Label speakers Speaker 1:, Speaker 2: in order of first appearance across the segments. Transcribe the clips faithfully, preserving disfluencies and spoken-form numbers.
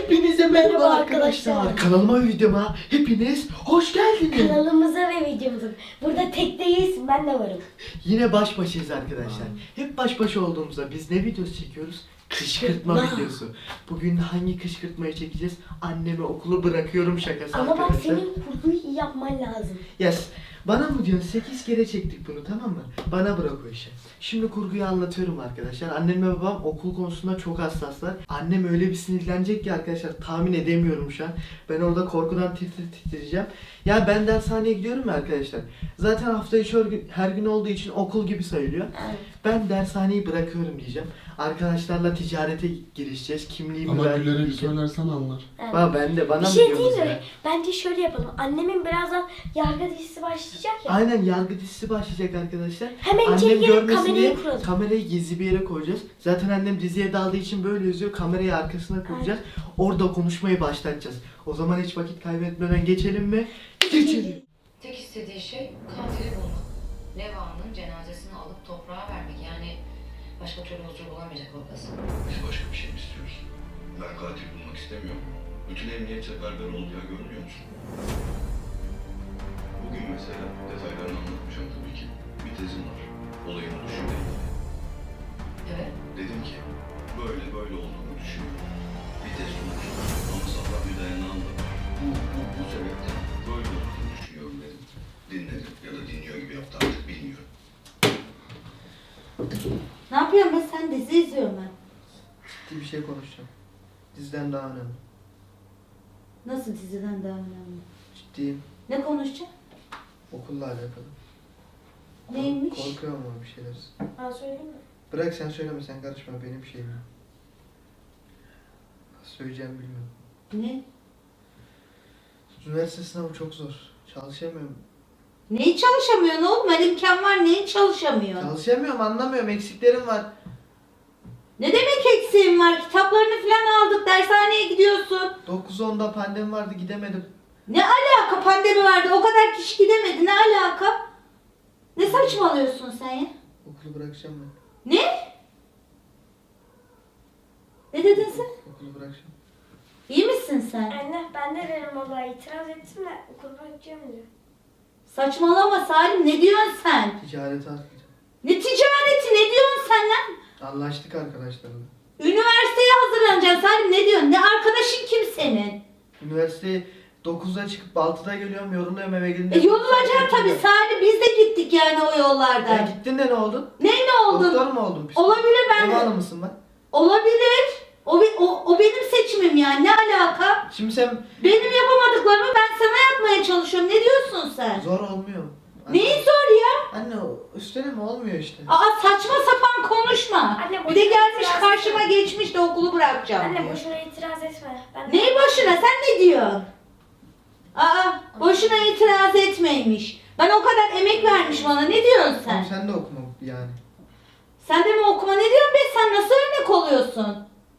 Speaker 1: Hepinize merhaba
Speaker 2: Merhaba
Speaker 1: arkadaşlar.
Speaker 2: arkadaşlar.
Speaker 1: Kanalıma ve videoma hepiniz hoş geldiniz.
Speaker 2: Kanalımıza ve videomuza. Burada tekteyiz, ben de varım.
Speaker 1: Yine baş başayız arkadaşlar. Hep baş başa olduğumuzda biz ne videosu çekiyoruz? Kışkırtma
Speaker 2: Kışkırtma.
Speaker 1: videosu. Bugün hangi kışkırtmayı çekeceğiz? Anneme okulu bırakıyorum şakası
Speaker 2: Ama bak
Speaker 1: arkadaşlar.
Speaker 2: senin kurguyu iyi yapman lazım.
Speaker 1: Yes. Bana mı diyorsun? sekiz kere çektik bunu, tamam mı? Bana bırak o işi. Şimdi kurguyu anlatıyorum arkadaşlar. Annem ve babam okul konusunda çok hassaslar. Annem öyle bir sinirlenecek ki arkadaşlar, tahmin edemiyorum şu an. Ben orada korkudan tir tir titreyeceğim. Ya ben dershaneye gidiyorum ya arkadaşlar. Zaten hafta içi her gün, her gün olduğu için okul gibi sayılıyor.
Speaker 2: Evet.
Speaker 1: Ben dershaneyi bırakıyorum diyeceğim. Arkadaşlarla ticarete girişeceğiz. Kimliğimi
Speaker 3: Ama
Speaker 1: ver
Speaker 3: Güler'e bir
Speaker 1: diyeceğim.
Speaker 3: söylersen anlar.
Speaker 2: Evet.
Speaker 1: Ba ben de bana
Speaker 2: Bir
Speaker 1: mı
Speaker 2: şey
Speaker 1: diyorsunuz
Speaker 2: değil mi?
Speaker 1: ya?
Speaker 2: Bence şöyle yapalım. Annemin birazdan yargı dizisi başlayacak ya.
Speaker 1: Aynen, yargı dizisi başlayacak arkadaşlar.
Speaker 2: Hemen
Speaker 1: Annem
Speaker 2: içeri girip
Speaker 1: görmesin diye
Speaker 2: kamerayı kuralım.
Speaker 1: kamerayı gizli bir yere koyacağız. Zaten annem diziye daldığı için böyle yazıyor. Kamerayı arkasına koyacağız. Orada konuşmayı başlatacağız. O zaman hiç vakit kaybetmeden geçelim mi? Geçelim.
Speaker 4: Tek istediği şey katili bulmak. Neva'nın cenazesini alıp toprağa vermek. Yani başka türlü huzur bulamayacak orası.
Speaker 5: Biz başka bir şey mi istiyoruz? Ben katil bulmak istemiyorum. Bütün emniyet seferber oldu ya, görmüyor musun? Bugün mesela detaylarını anlatmayacağım tabii ki. Bir tezim var. Olayın düşünmeyi.
Speaker 4: Evet.
Speaker 5: Dedim ki böyle böyle olduğunu düşünüyorum. Bir tez sonucu ama sağlam bir dayanağım da var. Bu, bu, bu sebepten böyle olduğunu düşünüyorum dedim. Dinledim ya da dinliyor gibi yaptı, artık bilmiyorum.
Speaker 6: Ne yapıyorsun be sen? Dizi izliyorum ben.
Speaker 1: Ciddi bir şey konuşacağım. Diziden daha önemli.
Speaker 6: Nasıl diziden daha önemli?
Speaker 1: Ciddiyim.
Speaker 6: Ne konuşacak?
Speaker 1: Okulla alakalı.
Speaker 6: Neymiş?
Speaker 1: Korkuyorum ama bir şeyler.
Speaker 2: Ben söyleyeyim mi?
Speaker 1: Bırak sen söyleme, sen karışma, benim şeyim. Nasıl söyleyeceğimi bilmiyorum.
Speaker 6: Ne?
Speaker 1: Üniversite sınavı çok zor. Çalışamıyorum.
Speaker 6: Neyi çalışamıyorsun oğlum? Her imkan var. Neyi çalışamıyorsun?
Speaker 1: Çalışamıyorum, anlamıyorum. Eksiklerim var.
Speaker 6: Ne demek eksiğin var? Kitaplarını falan aldık. Dershaneye gidiyorsun.
Speaker 1: dokuz onda pandemi vardı, gidemedim.
Speaker 6: Ne alaka? Pandemi vardı. O kadar kişi gidemedi. Ne alaka? Ne saçmalıyorsun sen ya?
Speaker 1: Okulu bırakacağım ben.
Speaker 6: Ne? Ne dedin sen?
Speaker 1: Okulu bırakacağım.
Speaker 6: İyi misin sen?
Speaker 2: Anne ben de benim babaya itiraz ettim de okul bırakacağım diyor.
Speaker 6: Saçmalama Salim. Ne diyorsun sen?
Speaker 1: Ticarete atlayacağım.
Speaker 6: Ne ticareti? Ne diyorsun sen lan?
Speaker 1: Anlaştık arkadaşlarımla.
Speaker 6: Üniversiteye hazırlanacaksın Salim. Ne diyorsun? Ne arkadaşın kim senin?
Speaker 1: Üniversiteye dokuzda çıkıp altıda geliyorum, yoruluyorum, eve
Speaker 6: E
Speaker 1: gelince.
Speaker 6: yorulacaksın tabii Salim. Biz de gittik yani o yollardan.
Speaker 1: Ya gittin de ne oldun?
Speaker 6: Ne ne oldun?
Speaker 1: Doktor mu oldun? Psikolog-
Speaker 6: Olabilir ben
Speaker 1: Ev
Speaker 6: de.
Speaker 1: hanımı mısın lan?
Speaker 6: Olabilir. O, be- o, o benim seçimim yani. Ne alaka?
Speaker 1: Şimdi sen
Speaker 6: Benim yapamadıklarımı ben sana yapmaya çalışıyorum. Ne diyorsun sen?
Speaker 1: zor olmuyor. Anne,
Speaker 6: Neyi zor ya?
Speaker 1: Anne o üstüne mi olmuyor işte?
Speaker 6: Aa saçma sapan konuşma.
Speaker 2: Anne,
Speaker 6: Bir de
Speaker 2: boşuna
Speaker 6: gelmiş
Speaker 2: itiraz
Speaker 6: karşıma
Speaker 2: etme.
Speaker 6: geçmiş de okulu bırakacağım
Speaker 2: Anne
Speaker 6: diyor.
Speaker 2: boşuna itiraz etme. Ben de-
Speaker 6: Neyi boşuna? Sen ne diyorsun? Aa boşuna itiraz etmeymiş. Ben o kadar emek vermiş bana. Ne diyorsun sen?
Speaker 1: Sen, sen de okuma yani.
Speaker 6: Sen de mi okuma? Ne diyorsun be? Sen nasıl örnek oluyorsun?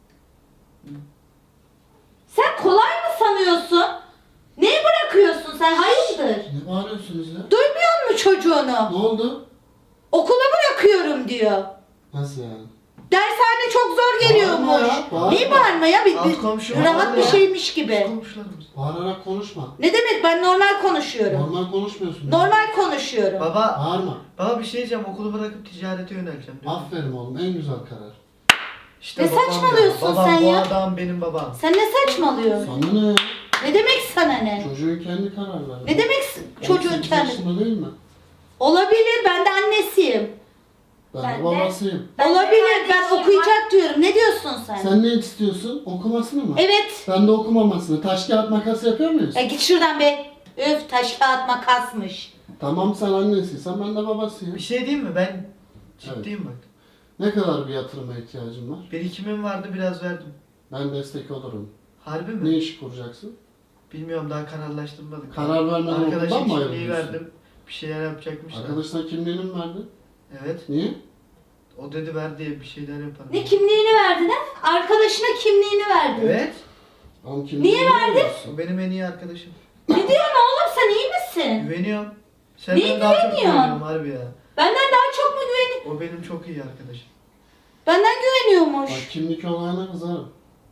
Speaker 6: Sen kolay mı sanıyorsun? Neyi bırakıyorsun sen? Hayırdır?
Speaker 3: Ne bağırıyorsunuz ya?
Speaker 6: Duymuyor musun çocuğunu?
Speaker 3: Ne oldu?
Speaker 6: Okula bırakıyorum diyor.
Speaker 3: Nasıl yani?
Speaker 6: Dershane çok zor geliyormuş.
Speaker 3: Bağırma ya, bağırma.
Speaker 6: Neyi bağırma ya? Bir,
Speaker 1: Alt
Speaker 6: bir-
Speaker 1: komşu
Speaker 6: rahat
Speaker 1: bağırma
Speaker 6: bir
Speaker 1: ya.
Speaker 6: şeymiş gibi.
Speaker 1: Komşularımız.
Speaker 3: Bağırarak konuşma.
Speaker 6: Ne demek? Ben normal konuşuyorum.
Speaker 3: Normal konuşmuyorsun.
Speaker 6: Normal konuşuyorum.
Speaker 1: Baba,
Speaker 3: Bağırma.
Speaker 1: baba bir şey diyeceğim, okulu bırakıp ticarete yöneleceğim diyor.
Speaker 3: Aferin oğlum, en güzel karar.
Speaker 1: İşte
Speaker 6: Ne
Speaker 1: babam
Speaker 6: saçmalıyorsun
Speaker 1: ya. Babam
Speaker 6: sen
Speaker 1: bu
Speaker 6: ya?
Speaker 1: adam benim babam.
Speaker 6: Sen ne saçmalıyorsun?
Speaker 3: Sana ne ya?
Speaker 6: Ne demek sana ne?
Speaker 3: Çocuğun kendi kararları.
Speaker 6: Ne demek s- çocuğun
Speaker 3: on sekiz
Speaker 6: kendi?
Speaker 3: yaşında değil mi?
Speaker 6: Olabilir. Ben de annesiyim.
Speaker 3: Ben,
Speaker 2: Ben
Speaker 3: de
Speaker 2: de-
Speaker 3: babasıyım.
Speaker 2: Ben de
Speaker 6: Olabilir. Ben
Speaker 2: kardeşim
Speaker 6: okuyacak diyorum. Ne diyorsun sen?
Speaker 3: Sen ne istiyorsun? Okumasını mı?
Speaker 6: Evet.
Speaker 3: Ben de okumamasını. Taş kağıt makas yapıyor muyuz?
Speaker 6: Ya git şuradan be. Öf taş kağıt makasmış.
Speaker 3: Tamam sen annesiysen ben de babasıyım.
Speaker 1: Bir şey diyeyim mi? Ben ciddiyim bak.
Speaker 3: Ne kadar bir yatırıma ihtiyacın var?
Speaker 1: Birikimim vardı, biraz verdim.
Speaker 3: Ben destek olurum.
Speaker 1: Harbi mi?
Speaker 3: Ne iş kuracaksın?
Speaker 1: Bilmiyorum, daha kararlaştırmadık.
Speaker 3: Karar vermeden
Speaker 1: Arkadaşın
Speaker 3: okuldan mı
Speaker 1: kimliği
Speaker 3: ayrılıyorsun?
Speaker 1: verdim. Bir şeyler yapacakmışlar.
Speaker 3: Arkadaşına kimliğini mi verdin?
Speaker 1: Evet.
Speaker 3: Niye?
Speaker 1: O dedi ver diye bir şeyler yaparım.
Speaker 6: Ne kimliğini verdin ha? Arkadaşına kimliğini verdin.
Speaker 1: Evet.
Speaker 3: Oğlum kimliğini
Speaker 6: Niye verdin?
Speaker 1: O benim en iyi arkadaşım.
Speaker 6: Ne diyorsun oğlum sen iyi misin?
Speaker 1: Güveniyorum.
Speaker 6: Niye
Speaker 1: Senden daha çok
Speaker 6: güveniyorsun?
Speaker 1: güveniyorum harbi ya.
Speaker 6: Benden daha çok mu güveniyor?
Speaker 1: O benim çok iyi arkadaşım.
Speaker 6: Benden güveniyormuş.
Speaker 3: Bak kimlik olayına kızarım.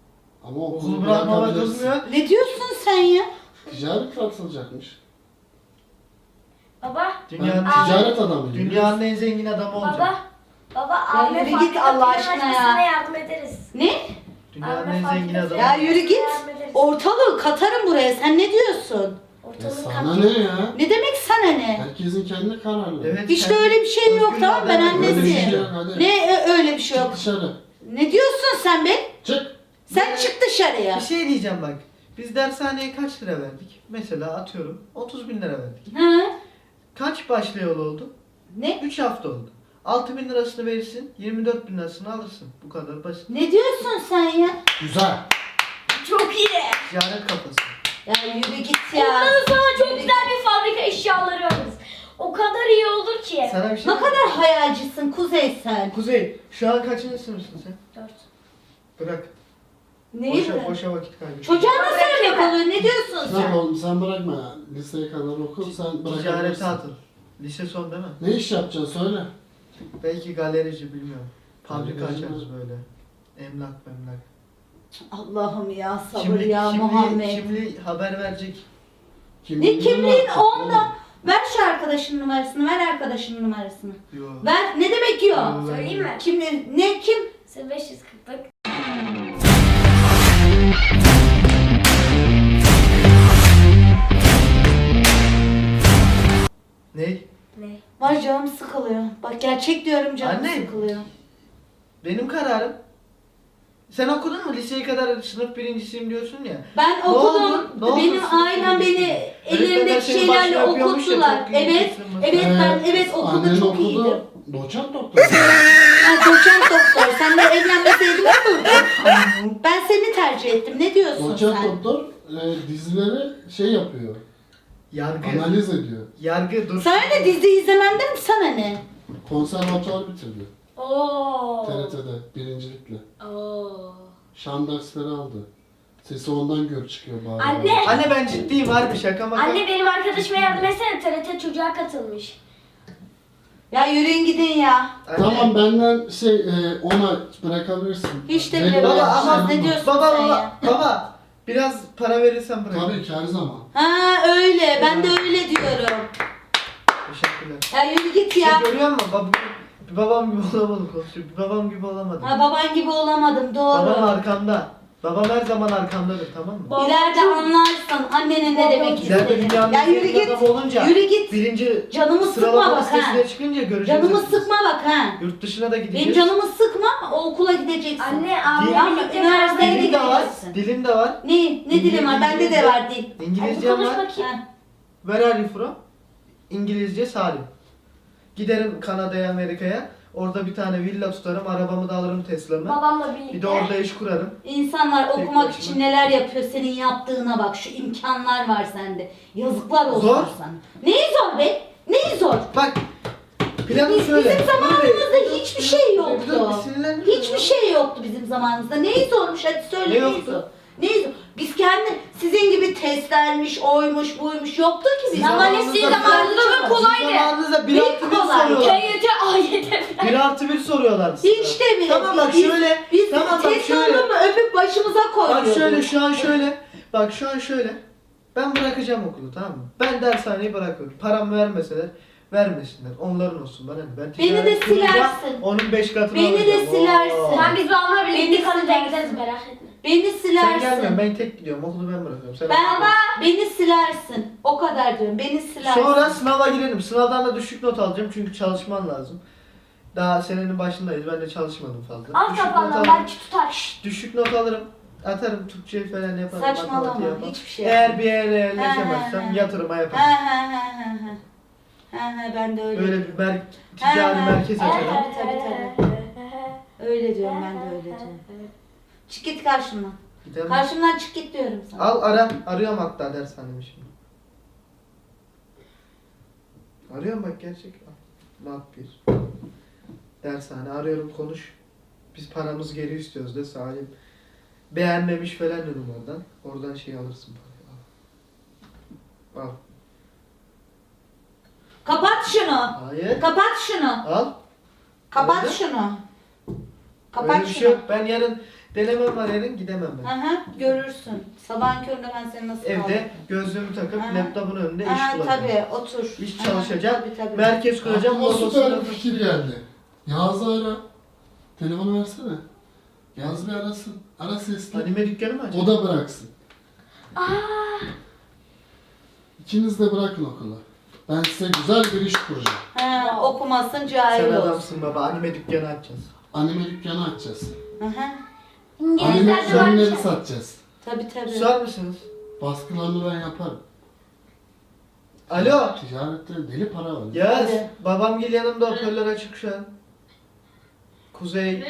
Speaker 3: Ama okulu
Speaker 1: Okulu bırakmama
Speaker 3: bırakabilirsin.
Speaker 1: kızmıyor.
Speaker 6: Ne diyorsun sen ya?
Speaker 3: Ticaret katılacakmış.
Speaker 2: Baba.
Speaker 1: Dünyanın,
Speaker 3: Ben ticaret adamıyım.
Speaker 1: dünyanın en zengin adamı olacak.
Speaker 2: Baba. Baba abime
Speaker 6: yürü git
Speaker 2: fabrika
Speaker 6: Allah
Speaker 2: plan
Speaker 6: aşkına
Speaker 2: açmasına
Speaker 6: ya.
Speaker 2: yardım ederiz.
Speaker 6: Ne?
Speaker 1: Dünyanın
Speaker 2: Abime
Speaker 1: en
Speaker 2: fabrika
Speaker 1: zengin
Speaker 2: plan
Speaker 1: adamı.
Speaker 6: Ya yürü git.
Speaker 2: yardım ederiz.
Speaker 6: Ortalığı katarım buraya. Sen ne diyorsun?
Speaker 3: Ya
Speaker 2: Ortalığı
Speaker 3: sana
Speaker 2: kapatın.
Speaker 3: ne ya?
Speaker 6: Ne demek sana ne?
Speaker 3: Herkesin kendi kararı.
Speaker 1: Evet,
Speaker 6: Hiç de
Speaker 1: kendi
Speaker 6: öyle bir şey yok,
Speaker 1: özgür
Speaker 6: tamam mı? Ben
Speaker 1: iradem var.
Speaker 3: Öyle bir şey
Speaker 6: annesiyim.
Speaker 3: yok, hadi.
Speaker 6: Ne ö- öyle bir şey
Speaker 3: Çık
Speaker 6: yok.
Speaker 3: dışarı.
Speaker 6: Ne diyorsun sen be?
Speaker 3: Çık.
Speaker 6: Sen çık dışarıya.
Speaker 1: Bir şey diyeceğim bak. Biz dershaneye kaç lira verdik? Mesela atıyorum otuz bin lira verdik.
Speaker 6: Hı?
Speaker 1: Kaç başlayalı oldu?
Speaker 6: Ne?
Speaker 1: üç hafta oldu. altı bin lirasını verirsin, yirmi dört bin lirasını alırsın. Bu kadar basit.
Speaker 6: Ne diyorsun sen ya?
Speaker 3: Güzel.
Speaker 2: Çok iyi.
Speaker 1: Ticaret kafası.
Speaker 6: Ya yürü git ya.
Speaker 2: Ondan sonra çok
Speaker 6: Yürü
Speaker 2: güzel bir fabrika eşyaları alırız. O kadar iyi olur ki.
Speaker 1: Sana bir şey
Speaker 6: Ne kadar hayalcisin Kuzey sen.
Speaker 1: Kuzey, şu an kaçıncı sınıfsın sen?
Speaker 2: Dört.
Speaker 1: Bırak.
Speaker 6: Neyi
Speaker 1: Boşa,
Speaker 6: bırak?
Speaker 1: boşa vakit kaybı.
Speaker 6: Çocuğa nasıl örnek oluyor? Ne diyorsun
Speaker 3: Sen
Speaker 6: sen?
Speaker 3: oğlum sen bırakma. Liseye kadar oku sen
Speaker 1: Ticarete
Speaker 3: bırakabilirsin.
Speaker 1: atıl. Lise son değil mi?
Speaker 3: Ne iş yapacaksın söyle.
Speaker 1: Belki galerici bilmiyorum. Fabrika
Speaker 3: Galerici
Speaker 1: açarız
Speaker 3: mi?
Speaker 1: böyle. Emlak memlak.
Speaker 6: Allah'ım ya sabır
Speaker 1: Kimli,
Speaker 6: ya
Speaker 1: kimli,
Speaker 6: Muhammed.
Speaker 1: kimli haber verecek.
Speaker 6: Ne kimliğin
Speaker 3: var?
Speaker 6: onda? Ver şu arkadaşın numarasını, ver arkadaşın numarasını.
Speaker 1: Yo.
Speaker 6: Ver, ne demek yok?
Speaker 1: Yo.
Speaker 2: Söyleyeyim mi?
Speaker 6: Kim, ne, kim?
Speaker 2: Sen beş yüz kırklık.
Speaker 1: Ne?
Speaker 2: Ne?
Speaker 6: Var canım sıkılıyor. Bak gerçek diyorum canım
Speaker 1: Anne.
Speaker 6: sıkılıyor.
Speaker 1: Benim kararım. Sen okudun mu? Liseye kadar sınıf birincisiyim diyorsun ya.
Speaker 6: Ben
Speaker 1: Ne oldu?
Speaker 6: okudum.
Speaker 1: Ne oldu?
Speaker 6: Benim
Speaker 1: Sınıf
Speaker 6: ailem
Speaker 1: birincisi.
Speaker 6: beni
Speaker 1: Öğretmenler
Speaker 6: ellerindeki
Speaker 1: seni
Speaker 6: şeylerle
Speaker 1: başka yapıyormuş ya,
Speaker 6: okuttular.
Speaker 1: çok iyi
Speaker 6: Evet.
Speaker 1: kısmı.
Speaker 6: Evet ben
Speaker 3: Ee,
Speaker 6: evet okulda
Speaker 3: annen
Speaker 6: çok
Speaker 3: okudu,
Speaker 6: iyiydim.
Speaker 3: Doçent doktor.
Speaker 6: Ben doçent doktor. Sen de evlenmeseydin olurdu. Ben seni tercih ettim. Ne diyorsun
Speaker 3: Doçent
Speaker 6: sen?
Speaker 3: doktor e, dizileri şey yapıyor.
Speaker 1: Yargı.
Speaker 3: Analiz ediyor.
Speaker 1: Yargı dur.
Speaker 6: Sana ne dizi izlemenden sana ne?
Speaker 3: Konservatuvar bitirdi.
Speaker 2: Oo.
Speaker 3: T R T'de birincilikle.
Speaker 2: Oo.
Speaker 3: Şan dersleri aldı. Sesi ondan gör çıkıyor bari.
Speaker 2: Anne.
Speaker 1: Anne ben ciddiyim harbi şaka maka.
Speaker 2: Anne benim arkadaşıma yardım etsene. T R T çocuğa katılmış.
Speaker 6: Ya yürüyün gidin ya.
Speaker 1: Anne.
Speaker 3: Tamam benden şey e, ona bırakabilirsin.
Speaker 6: Hiç de
Speaker 3: Benim-
Speaker 6: bile
Speaker 1: Baba
Speaker 6: bırakmaz.
Speaker 1: ama
Speaker 6: Ne diyorsun
Speaker 1: baba
Speaker 6: sen
Speaker 1: baba,
Speaker 6: ya?
Speaker 1: baba biraz para verirsen bırak.
Speaker 3: Tabii ki her zaman.
Speaker 6: Ha öyle. Ben de öyle diyorum.
Speaker 1: Teşekkürler.
Speaker 6: Ya yürü git ya.
Speaker 1: Şey görüyor musun? Bab bir babam gibi olamadım konuşuyor. Bir babam gibi olamadım.
Speaker 6: Ha baban gibi olamadım
Speaker 1: Babam
Speaker 6: doğru.
Speaker 1: arkamda. Babam her zaman arkamdadır tamam mı?
Speaker 6: İleride anlarsın annenin ne demek
Speaker 1: İleride
Speaker 6: istediğini.
Speaker 1: dünyanın
Speaker 6: Ya
Speaker 1: en
Speaker 6: yürü
Speaker 1: zengin
Speaker 6: git.
Speaker 1: adamı olunca
Speaker 6: Yürü git.
Speaker 1: birinci
Speaker 6: Canımı sıkma
Speaker 1: sıralama
Speaker 6: bak ha.
Speaker 1: listesine çıkınca göreceğiz.
Speaker 6: Canımı
Speaker 1: hepimiz.
Speaker 6: sıkma bak ha.
Speaker 1: Yurt dışına da gideceğiz.
Speaker 6: Benim canımı sıkma. O okula gideceksin.
Speaker 2: Anne abimle
Speaker 1: Değil.
Speaker 2: birlikte
Speaker 6: Üniversiteye
Speaker 2: karar
Speaker 1: Dilim de var.
Speaker 6: gideceksin.
Speaker 1: Dilim de var.
Speaker 6: Ne? Ne dilim var? Bende de var dil.
Speaker 2: Hadi
Speaker 1: İngilizcem
Speaker 2: konuş
Speaker 1: var.
Speaker 2: bakayım.
Speaker 6: Ha.
Speaker 1: Where are you from? İngilizce Salim. Giderim Kanada'ya, Amerika'ya. Orada bir tane villa tutarım. Arabamı da alırım Tesla'mı.
Speaker 2: Babamla birlikte.
Speaker 1: Bir de orada iş kurarım.
Speaker 6: İnsanlar
Speaker 1: Tek
Speaker 6: okumak
Speaker 1: başına.
Speaker 6: için neler yapıyor senin yaptığına bak. Şu imkanlar var sende. Yazıklar olsun
Speaker 1: Zor.
Speaker 6: sana. Neyi zor be? Neyi zor?
Speaker 1: Bak. Planım
Speaker 6: Biz-
Speaker 1: şöyle.
Speaker 6: bizim zamanımızda hiçbir şey yoktu.
Speaker 1: Dur, dur, bir sinirlenme.
Speaker 6: Hiçbir şey yoktu bizim zamanımızda. Neyi zormuş hadi söyle
Speaker 1: Ne
Speaker 6: neyi
Speaker 1: yoktu?
Speaker 6: zor? Neyi zor? Biz kendi sizin gibi testlermiş, oymuş, buymuş yoktu ki bizim.
Speaker 2: Ama ne sizin zamanınızda da kolaydı.
Speaker 1: Sizin zamanınızda bir
Speaker 6: Bir
Speaker 1: artı bir
Speaker 6: kolay.
Speaker 1: soruyorlar.
Speaker 2: K Y T, A Y T falan.
Speaker 1: Bir artı bir soruyorlar size.
Speaker 6: Hiç de bile.
Speaker 1: Tamam bak
Speaker 6: Biz-
Speaker 1: şöyle.
Speaker 6: Biz
Speaker 1: tamam bak
Speaker 6: test
Speaker 1: şöyle.
Speaker 6: oldu mu öpüp başımıza koyuyorduk.
Speaker 1: Bak şöyle şu an şöyle. Bak şu an şöyle. Ben bırakacağım okulu tamam mı? Ben dershaneyi bırakıyorum. Paramı vermeseler vermesinler. Onların olsun bana ne? Ben
Speaker 6: Beni de
Speaker 1: ticaret kurunca
Speaker 6: silersin.
Speaker 1: Onun beş katını
Speaker 6: Beni de
Speaker 1: alacağım.
Speaker 6: silersin.
Speaker 1: Oo.
Speaker 2: Ben biz babamla birlikte
Speaker 6: Beni
Speaker 2: Kanada'ya
Speaker 6: silersin.
Speaker 2: gideriz merak etme.
Speaker 6: Beni
Speaker 1: Sen
Speaker 6: silersin.
Speaker 1: gelmiyorsun ben tek gidiyorum. Okulu ben bırakıyorum. Sen
Speaker 6: Ben
Speaker 1: okula.
Speaker 6: beni silersin. O kadar diyorum. Beni silersin.
Speaker 1: Sonra sınava girelim. Sınavdan da düşük not alacağım çünkü çalışman lazım. Daha senenin başındayız. Ben de çalışmadım fazla.
Speaker 2: Al
Speaker 1: Düşük not
Speaker 2: kafandan
Speaker 1: alırım.
Speaker 2: belki tutar.
Speaker 1: Düşük not alırım. Atarım Türkçe falan yaparım.
Speaker 6: Saçmalama,
Speaker 1: matematiği yaparım.
Speaker 6: hiçbir şey
Speaker 1: Eğer
Speaker 6: yapma.
Speaker 1: bir yere
Speaker 6: Ha,
Speaker 1: yerleşemezsem
Speaker 6: ha, ha.
Speaker 1: yatırıma
Speaker 6: Ha
Speaker 1: yaparım.
Speaker 6: ha ha ha ha. Ha ha ben de öyle.
Speaker 1: Böyle bir mer ticari
Speaker 6: Ha, ha.
Speaker 1: merkez açarım.
Speaker 6: Evet. tabii, tabii. Öyle diyorum ben de öyle diyorum. Çık git karşımdan.
Speaker 1: Gidelim.
Speaker 6: Karşımdan çık git diyorum sana.
Speaker 1: Al ara. Arıyorum hatta dershanemi şimdi. Arıyorum bak gerçek. Mat bir. Dershane arıyorum konuş. Biz paramızı geri istiyoruz de Salim. Beğenmemiş falan dedim oradan. Oradan şey alırsın parayı. Al. Al.
Speaker 6: Kapat şunu.
Speaker 1: Hayır.
Speaker 6: Kapat şunu.
Speaker 1: Al.
Speaker 6: Kapat
Speaker 1: Nerede?
Speaker 6: şunu.
Speaker 1: Öyle
Speaker 6: Kapat
Speaker 1: bir şey
Speaker 6: şunu.
Speaker 1: yok. Ben yarın Denemem var yarın gidemem ben.
Speaker 6: Aha, görürsün. Sabahın köründe ben seni nasıl
Speaker 1: Evde
Speaker 6: kaldırırım.
Speaker 1: gözlüğümü takıp
Speaker 6: Aha.
Speaker 1: laptopun önünde iş
Speaker 6: Aha,
Speaker 1: bulacağım.
Speaker 6: tabii otur.
Speaker 1: İş
Speaker 6: Aha,
Speaker 1: çalışacağım.
Speaker 6: tabii, tabii.
Speaker 1: Merkez kuracağım.
Speaker 3: Aklıma
Speaker 1: orada
Speaker 3: süper
Speaker 1: oturup-
Speaker 3: bir fikir geldi. Yağız'ı ara. Telefonu versene. Yağız bir arasın. Ara sesli.
Speaker 1: Anime dükkanı mı açacağım?
Speaker 3: O da bıraksın. İkiniz de bırakın okulu. Ben size güzel bir iş kuracağım.
Speaker 6: Ha, okumasın
Speaker 1: Sen
Speaker 6: cahil olsun.
Speaker 1: adamsın baba. Anime dükkanı açacağız.
Speaker 3: Anime dükkanı açacağız.
Speaker 6: Aha,
Speaker 3: Anime
Speaker 2: İngilizler de var.
Speaker 3: ürünleri satacağız.
Speaker 6: tabii tabii.
Speaker 1: Susar mısınız?
Speaker 3: Baskılarını ben yaparım.
Speaker 1: Alo.
Speaker 3: Ticarette deli para var.
Speaker 1: Yaz.
Speaker 6: Hadi.
Speaker 1: Babam gel yanımda hoparlör açık şu an. Kuzey.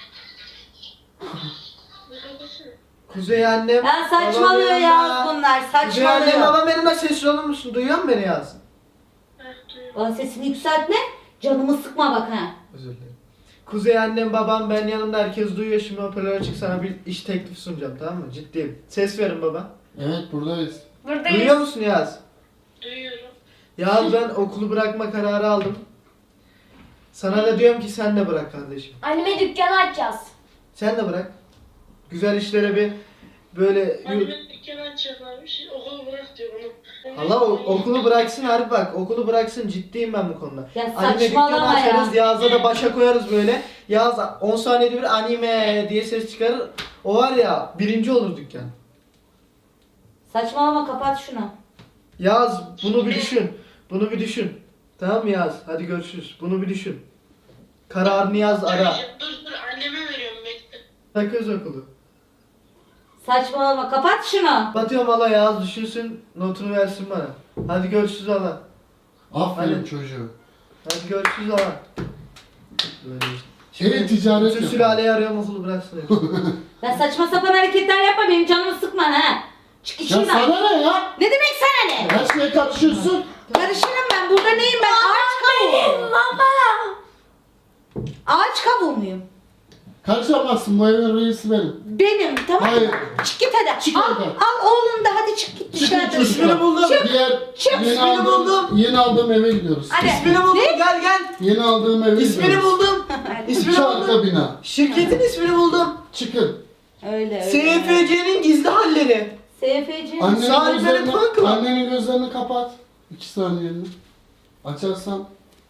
Speaker 1: Kuzey annem.
Speaker 6: Ya saçmalıyor
Speaker 1: babam
Speaker 6: ya
Speaker 1: yanımda.
Speaker 6: bunlar,
Speaker 1: Kuzey annem
Speaker 6: saçmalıyor.
Speaker 1: babam benimle sesli olur musun? Duyuyor musun beni Yaz?
Speaker 6: Bana sesini yükseltme, canımı sıkma bak ha.
Speaker 1: Özür dilerim. Kuzey annem babam ben yanımda herkes duyuyor şimdi hoparlör açık sana bir iş teklifi sunacağım tamam mı? Ciddiyim. Ses verin baba.
Speaker 3: Evet buradayız.
Speaker 2: Buradayız.
Speaker 1: Duyuyor musun Yaz?
Speaker 7: Duyuyorum.
Speaker 1: Yaz ben okulu bırakma kararı aldım. Sana da diyorum ki sen de bırak kardeşim.
Speaker 2: Anime dükkanı açacağız.
Speaker 1: Sen de bırak. Güzel işlere bir böyle...
Speaker 7: Anime dükkanı açacaklarmış. Okulu bırak diyor onu.
Speaker 1: Allah o- okulu bıraksın harbi bak okulu bıraksın ciddiyim ben bu konuda.
Speaker 6: Ya
Speaker 1: Anime dükkanı
Speaker 6: saçmalama ya.
Speaker 1: açarız Yağız'a da başa koyarız böyle. Yağız on saniyede bir anime diye ses çıkarır. O var ya birinci olur dükkan.
Speaker 6: Saçmalama, kapat şunu.
Speaker 1: Yağız bunu bir düşün. Bunu bir düşün. Tamam mı Yağız? Hadi görüşürüz. Bunu bir düşün. Kararını yaz ara.
Speaker 7: Dur dur anneme veriyorum bekle.
Speaker 1: Takıyoruz okulu.
Speaker 6: Saçmalama, kapat şunu.
Speaker 1: Batıyorum Allah Yağız düşünsün notunu versin bana. Hadi görüşürüz Allah.
Speaker 3: Aferin
Speaker 1: Hadi.
Speaker 3: çocuğu.
Speaker 1: Hadi görüşürüz Allah. Böyle işte.
Speaker 3: Evet, ticaret
Speaker 1: Bütün
Speaker 3: yapalım.
Speaker 1: sülaleyi arıyorum okulu bıraksın. hepsi.
Speaker 6: Ya saçma sapan hareketler yapma, benim canımı sıkma ha. Çık
Speaker 3: Ya
Speaker 6: işimden.
Speaker 3: sana ne ya?
Speaker 6: Ne demek sana ne?
Speaker 3: Her şeye karışıyorsun.
Speaker 6: Karışırım ben, burada neyim ben? Ağaç kavuğu.
Speaker 2: Baba.
Speaker 6: Ağaç kavuğu muyum?
Speaker 3: Karışamazsın, bu evin reisi benim.
Speaker 6: Benim, tamam mı?
Speaker 3: Hayır.
Speaker 6: Çık git hadi.
Speaker 3: Çık
Speaker 6: al,
Speaker 3: oradan.
Speaker 6: al oğlum da hadi çık git
Speaker 3: Çıkın
Speaker 6: dışarıda.
Speaker 3: çocuklar.
Speaker 1: İsmini buldum.
Speaker 3: Diğer
Speaker 6: çık.
Speaker 3: yeni
Speaker 1: İsmini
Speaker 3: aldığım,
Speaker 1: buldum.
Speaker 3: yeni aldığım eve gidiyoruz.
Speaker 6: Hadi.
Speaker 1: İsmini buldum gel gel.
Speaker 3: Yeni aldığım eve
Speaker 1: İsmini
Speaker 3: gidiyoruz.
Speaker 1: buldum. İsmini
Speaker 3: İki
Speaker 1: buldum.
Speaker 3: arka bina.
Speaker 1: Şirketin ismini buldum.
Speaker 3: Çıkın.
Speaker 6: Öyle öyle.
Speaker 1: S F C'nin gizli halleri.
Speaker 6: S F C.
Speaker 3: Annenin
Speaker 1: Salih
Speaker 3: gözlerini,
Speaker 1: benim fan club.
Speaker 3: annenin gözlerini kapat. İki saniyeni. Açarsan.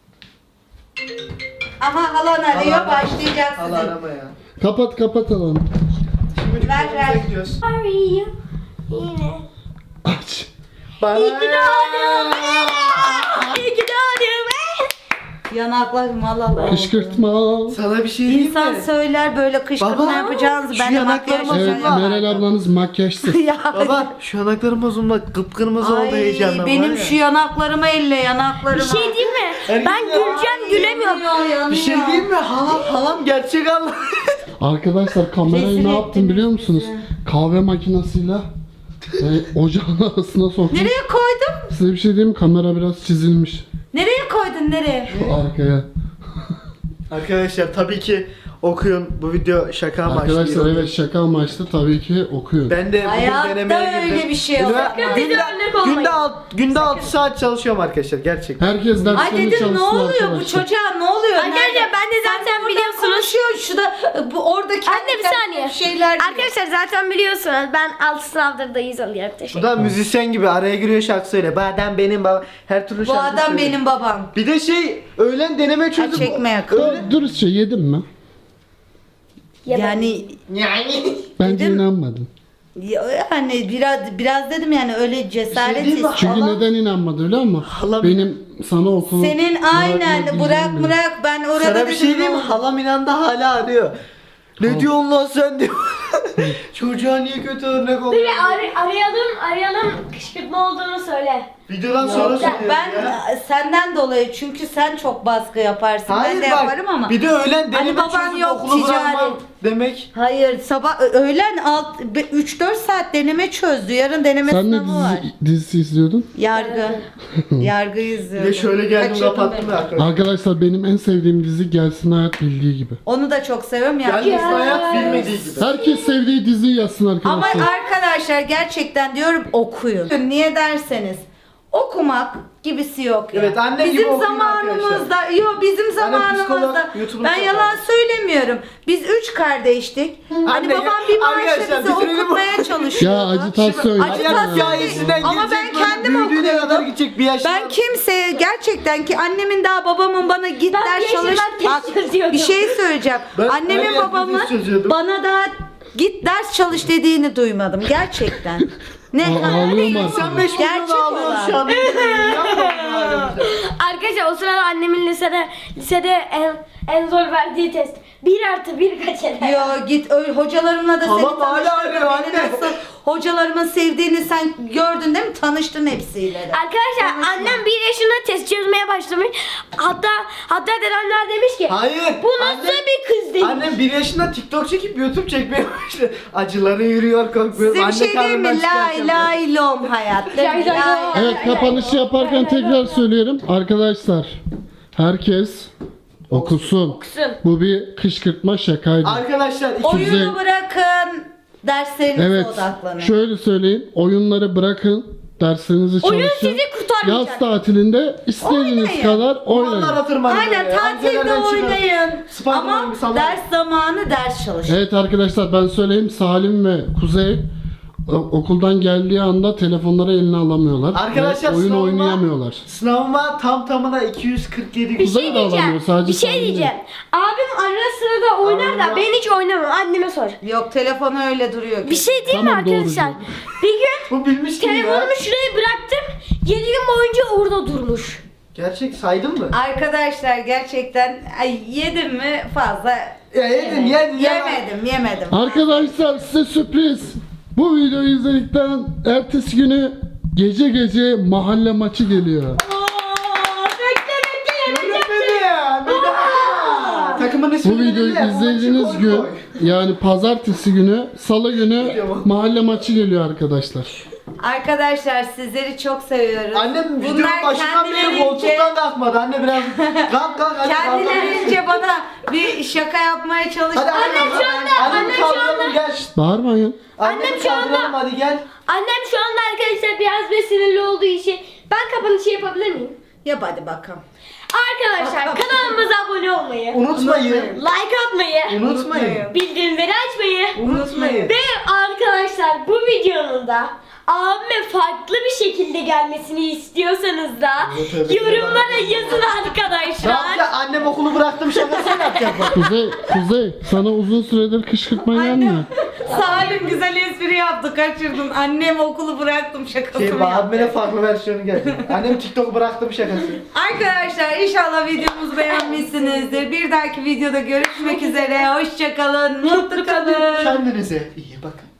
Speaker 6: Aha halan arıyor,
Speaker 1: Halan-
Speaker 6: başlayacak
Speaker 1: Allah
Speaker 6: sizin.
Speaker 1: arama ya.
Speaker 3: Kapat kapat alanı.
Speaker 1: Şimdi
Speaker 6: Ver,
Speaker 1: dükkanımıza
Speaker 6: ver.
Speaker 1: gidiyoruz.
Speaker 2: Arıyor. Yine.
Speaker 3: Aç.
Speaker 1: Bana.
Speaker 2: İyi ki doğdun. İyi ki doğdun.
Speaker 6: Yanaklarım Allah Allah.
Speaker 3: Kışkırtma.
Speaker 1: Sana bir şey diyeyim
Speaker 6: İnsan
Speaker 1: mi?
Speaker 6: söyler böyle kışkırtma
Speaker 1: Baba,
Speaker 6: yapacağınızı.
Speaker 1: şu
Speaker 6: Ben de
Speaker 1: yanaklarım
Speaker 6: makyaj
Speaker 3: Evet
Speaker 1: Bozulma.
Speaker 3: Meral ablanız makyajsız.
Speaker 6: ya.
Speaker 1: Baba şu yanaklarım bozulma kıpkırmızı oldu
Speaker 6: Ay,
Speaker 1: heyecandan.
Speaker 6: benim
Speaker 1: var ya.
Speaker 6: şu yanaklarımı elle, yanaklarımı.
Speaker 2: Bir şey diyeyim mi?
Speaker 1: Erkek
Speaker 2: Ben
Speaker 1: ya.
Speaker 2: güleceğim gülemiyorum.
Speaker 6: Yanıyor, yanıyor.
Speaker 1: Bir şey diyeyim mi? Halam halam gerçek Allah.
Speaker 3: Arkadaşlar kamerayı
Speaker 6: Rezil
Speaker 3: ne yaptım
Speaker 6: ettiniz
Speaker 3: biliyor musunuz?
Speaker 6: bizi.
Speaker 3: Kahve makinesiyle e, ocağın arasına soktum.
Speaker 6: Nereye koydun?
Speaker 3: Size bir şey diyeyim mi? Kamera biraz çizilmiş.
Speaker 6: Nereye koydun, nereye?
Speaker 3: Şu arkaya.
Speaker 1: Arkadaşlar tabii ki okuyun. Bu video şaka amaçlı.
Speaker 3: Arkadaşlar evet şaka amaçlı tabii ki okuyun.
Speaker 1: Ben de bugün
Speaker 6: Hayatta
Speaker 1: denemeye girdim.
Speaker 6: öyle bir şey yok.
Speaker 1: Ünivers-
Speaker 2: Sakın bize
Speaker 1: Günde,
Speaker 2: örnek olmayın.
Speaker 1: günde, alt, günde altı saat çalışıyorum arkadaşlar gerçekten.
Speaker 3: Herkes
Speaker 6: Ay
Speaker 3: derslerini
Speaker 6: dedim ne
Speaker 3: çalışsın
Speaker 6: oluyor bu
Speaker 3: arkadaşlar.
Speaker 6: çocuğa, ne oluyor?
Speaker 2: Arkadaşlar
Speaker 6: Nerede?
Speaker 2: ben de zaten
Speaker 6: Sen buradan
Speaker 2: biliyorsunuz.
Speaker 6: konuşuyorsun şu da bu oradaki
Speaker 2: Anne bir saniye.
Speaker 6: şeyler diyor.
Speaker 2: Arkadaşlar zaten biliyorsunuz ben altı sınavdır da yüz alıyorum.
Speaker 1: Bu
Speaker 2: Teşekkür
Speaker 1: da müzisyen gibi araya giriyor şarkı söyle. Bu adam benim babam. Her türlü
Speaker 6: Bu
Speaker 1: şarkı
Speaker 6: adam
Speaker 1: söylüyor.
Speaker 6: benim babam.
Speaker 1: Bir de şey öğlen deneme çözdüm.
Speaker 6: çekme yakın.
Speaker 1: Öyle.
Speaker 3: Dürüstçe yedin mi?
Speaker 6: Yani
Speaker 1: Yani.
Speaker 3: Bence
Speaker 6: Yedim.
Speaker 3: inanmadın.
Speaker 6: yani biraz biraz dedim yani öyle
Speaker 1: Bir şey
Speaker 6: cesaret
Speaker 1: diyeyim mi?
Speaker 6: ist-
Speaker 3: Çünkü
Speaker 1: Hala-
Speaker 3: neden inanmadı biliyor musun?
Speaker 1: Hala-
Speaker 3: Benim sana okulu
Speaker 6: Senin aynen
Speaker 3: bırakma
Speaker 6: bırak
Speaker 3: bildiğim
Speaker 6: bırak ben orada
Speaker 1: Sana bir
Speaker 6: dedim,
Speaker 1: şey
Speaker 6: ne
Speaker 1: diyeyim mi?
Speaker 6: oldu?
Speaker 1: Halam inan da hala arıyor. Ne diyorsun lan sen diyor. Çocuğa niye kötü örnek
Speaker 2: Bir
Speaker 1: oluyor?
Speaker 2: ar- arayalım arayalım kışkırtma olduğunu söyle.
Speaker 1: Videodan sonra
Speaker 6: Ya
Speaker 1: söylüyorum
Speaker 6: ben
Speaker 1: ya.
Speaker 6: senden dolayı çünkü sen çok baskı yaparsın.
Speaker 1: Hayır
Speaker 6: ben de
Speaker 1: bak,
Speaker 6: yaparım ama.
Speaker 1: bir de öğlen deneme
Speaker 6: baban
Speaker 1: çözüp
Speaker 6: yok,
Speaker 1: okulu
Speaker 6: ticari.
Speaker 1: bırakmam demek.
Speaker 6: Hayır sabah ö- öğlen alt üç dört saat deneme çözdü. Yarın deneme
Speaker 3: Sen ne
Speaker 6: sınavı var.
Speaker 3: dizi, dizisi izliyordun?
Speaker 6: Yargı. Yargı
Speaker 1: Bir
Speaker 6: izliyordum.
Speaker 1: de şöyle geldim
Speaker 6: Kaçırdım
Speaker 1: kapattım
Speaker 6: beni.
Speaker 1: ya arkadaşlar.
Speaker 3: Arkadaşlar benim en sevdiğim dizi Gelsin Hayat Bildiği Gibi.
Speaker 6: Onu da çok seviyorum ya.
Speaker 1: Yalnız hayat bilmediği gibi.
Speaker 3: Herkes sevdiği diziyi yazsın
Speaker 6: Ama
Speaker 3: arkadaşlar.
Speaker 6: arkadaşlar gerçekten diyorum okuyun. Niye derseniz okumak gibisi yok ya.
Speaker 1: Evet, annem gibi
Speaker 6: bizim
Speaker 1: okuyun
Speaker 6: zamanımızda, yok bizim zamanımızda
Speaker 1: psikolog, YouTube'unu
Speaker 6: ben
Speaker 1: çok
Speaker 6: yalan
Speaker 1: var.
Speaker 6: söylemiyorum. Biz üç kardeştik. Hani
Speaker 1: Anne,
Speaker 6: babam bir maaşla
Speaker 1: arkadaşlar,
Speaker 6: bizi
Speaker 1: bitirelim.
Speaker 6: okutmaya çalışıyordu.
Speaker 3: Ya acitasyon
Speaker 6: Acı-
Speaker 3: yapma
Speaker 6: Acitasyon
Speaker 3: ya.
Speaker 1: hikayesinden
Speaker 6: Ama
Speaker 1: gelecek,
Speaker 6: ben
Speaker 1: böyle
Speaker 6: kendim
Speaker 1: büyüdüğüne
Speaker 6: okuyordum.
Speaker 1: kadar gidecek bir yaşına.
Speaker 6: Ben kimseye gerçekten ki annemin daha babamın bana git
Speaker 2: Ben
Speaker 6: ders
Speaker 2: bir
Speaker 6: çalış.
Speaker 2: yaşından test
Speaker 6: Bak
Speaker 2: çözüyordum.
Speaker 6: bir şey söyleyeceğim.
Speaker 1: Ben her
Speaker 6: Annemin
Speaker 1: yerde
Speaker 6: babamın
Speaker 1: test çözüyordum.
Speaker 6: bana daha git ders çalış dediğini duymadım gerçekten. Ne?
Speaker 3: Aa, ağlıyorum artık.
Speaker 1: Sen beş
Speaker 6: Gerçek
Speaker 1: milyon ağlıyorsun şu
Speaker 6: olan.
Speaker 1: an. Yapma bunu.
Speaker 2: Arkadaşlar o sırada annemin lisede lisede en, en zor verdiği test. Bir artı bir kaç eder?
Speaker 6: Yo git öyle hocalarımla da
Speaker 1: Tamam,
Speaker 6: seni
Speaker 1: hala
Speaker 6: tanıştırdım.
Speaker 1: arıyor
Speaker 6: Beni
Speaker 1: anne.
Speaker 6: nasıl hocalarımın sevdiğini sen gördün değil mi? Tanıştın hepsiyle de.
Speaker 2: Arkadaşlar
Speaker 6: Konuşma.
Speaker 2: annem bir yaşında test çözmeye başlamış. Hatta hatta dedemler demiş ki
Speaker 1: Hayır.
Speaker 2: bu nasıl
Speaker 1: annem-
Speaker 2: bir kız demiş.
Speaker 1: Annem bir yaşında TikTok çekip YouTube çekmeye başladı. Acıları yürüyor korkmuyor.
Speaker 6: Size bir şey diyeyim mi? Lay lay lom hayat. değil mi?
Speaker 2: Lay lay
Speaker 6: Lay
Speaker 2: lom.
Speaker 6: lay
Speaker 3: Evet,
Speaker 6: lay.
Speaker 3: kapanışı yaparken tekrar söylüyorum. Arkadaşlar, herkes okusun.
Speaker 2: Okusun.
Speaker 3: Bu bir kışkırtma şakaydı.
Speaker 1: Arkadaşlar iki
Speaker 3: Kuzey-
Speaker 6: Oyunu bırakın. Derslerinize
Speaker 3: Evet,
Speaker 6: odaklanın.
Speaker 3: şöyle söyleyeyim. Oyunları bırakın. Derslerinizi çalışın.
Speaker 2: Oyun sizi kurtarmayacak.
Speaker 3: Yaz tatilinde istediğiniz
Speaker 6: Oynayın.
Speaker 3: kadar oynayın.
Speaker 1: Duvarlara tırmanın.
Speaker 6: Aynen
Speaker 1: böyle,
Speaker 6: tatilde
Speaker 1: antelerden çıkın.
Speaker 6: oynayın.
Speaker 1: Spiderman
Speaker 6: Ama
Speaker 1: gibi sallanın.
Speaker 6: ders zamanı ders çalışın.
Speaker 3: Evet arkadaşlar, ben söyleyeyim, Salim ve Kuzey o- okuldan geldiği anda telefonları eline alamıyorlar.
Speaker 1: Arkadaşlar,
Speaker 3: ve oyun
Speaker 1: sınavıma-
Speaker 3: oynayamıyorlar.
Speaker 1: Sınavıma tam tamına iki yüz kırk yedi.
Speaker 2: Bir
Speaker 3: Kuzey
Speaker 2: şey
Speaker 3: de alamıyor,
Speaker 2: diyeceğim.
Speaker 3: sadece
Speaker 2: Bir şey
Speaker 3: Salim değil.
Speaker 2: diyeceğim. Abim ara sırada oynar da
Speaker 1: Allah.
Speaker 2: ben hiç oynamam. Anneme sor.
Speaker 6: Yok telefonu öyle duruyor.
Speaker 2: Bir şey diyeyim mi
Speaker 3: Tamam, doğru
Speaker 2: arkadaşlar?
Speaker 3: diyor.
Speaker 2: Bir gün
Speaker 1: Bu bilmiş gibi ya.
Speaker 2: telefonumu şuraya bıraktım. yedi gün boyunca orada durmuş.
Speaker 1: Gerçek saydın mı?
Speaker 6: Arkadaşlar gerçekten ay, yedim mi fazla
Speaker 1: Ya yedin yedin.
Speaker 6: yemedim yemedim.
Speaker 3: Arkadaşlar, size sürpriz. Bu videoyu izledikten ertesi günü gece gece mahalle maçı geliyor.
Speaker 1: Yönetmeni ya. bir daha. Takımın ismini
Speaker 3: Bu videoyu
Speaker 1: belirle, bu maçı
Speaker 3: izlediğiniz
Speaker 1: koy
Speaker 3: gün,
Speaker 1: koy.
Speaker 3: yani pazartesi günü, salı günü mahalle maçı geliyor arkadaşlar.
Speaker 6: Arkadaşlar sizleri çok seviyoruz.
Speaker 1: Annem videonun
Speaker 6: Bunlar
Speaker 1: başından beri
Speaker 6: kendilerince-
Speaker 1: koltuktan kalkmadı. Anne biraz kalk kalk hadi kalk.
Speaker 6: Kendilerince bana bir şaka yapmaya çalıştı.
Speaker 1: Hadi annem
Speaker 2: şu anda-
Speaker 1: Annem
Speaker 2: annem şu
Speaker 1: kaldıralım
Speaker 2: anda-
Speaker 1: gel.
Speaker 3: Bağırmayın.
Speaker 1: Annem
Speaker 2: şu anda-
Speaker 1: kaldıralım hadi gel.
Speaker 2: Annem şu anda arkadaşlar biraz ve sinirli olduğu için ben kapanışı yapabilir miyim?
Speaker 6: Yap hadi bakalım.
Speaker 2: Arkadaşlar kanalımıza abone olmayı,
Speaker 1: Unutmayın.
Speaker 2: like atmayı,
Speaker 1: Unutmayın.
Speaker 2: bildirimleri açmayı
Speaker 1: Unutmayın.
Speaker 2: ve arkadaşlar bu videonun da abime farklı bir şekilde gelmesini istiyorsanız da
Speaker 1: Evet, evet.
Speaker 2: yorumlara yazın
Speaker 1: Ne
Speaker 2: arkadaşlar.
Speaker 1: yapacak? Annem okulu bıraktım şakasını yapacak bak.
Speaker 3: Kuzey, Kuzey, sana uzun süredir kışkırtma gelmiyor.
Speaker 6: Salim güzel espri yaptı kaçırdın. Annem okulu bıraktım şakasını
Speaker 1: Şey,
Speaker 6: yaptı.
Speaker 1: abime farklı versiyonu geldi. Annem TikTok'u bıraktım şakası.
Speaker 6: Arkadaşlar inşallah videomuzu beğenmişsinizdir. Bir dahaki videoda görüşmek üzere. Hoşçakalın. Mutlu kalın.
Speaker 1: Kendinize iyi bakın.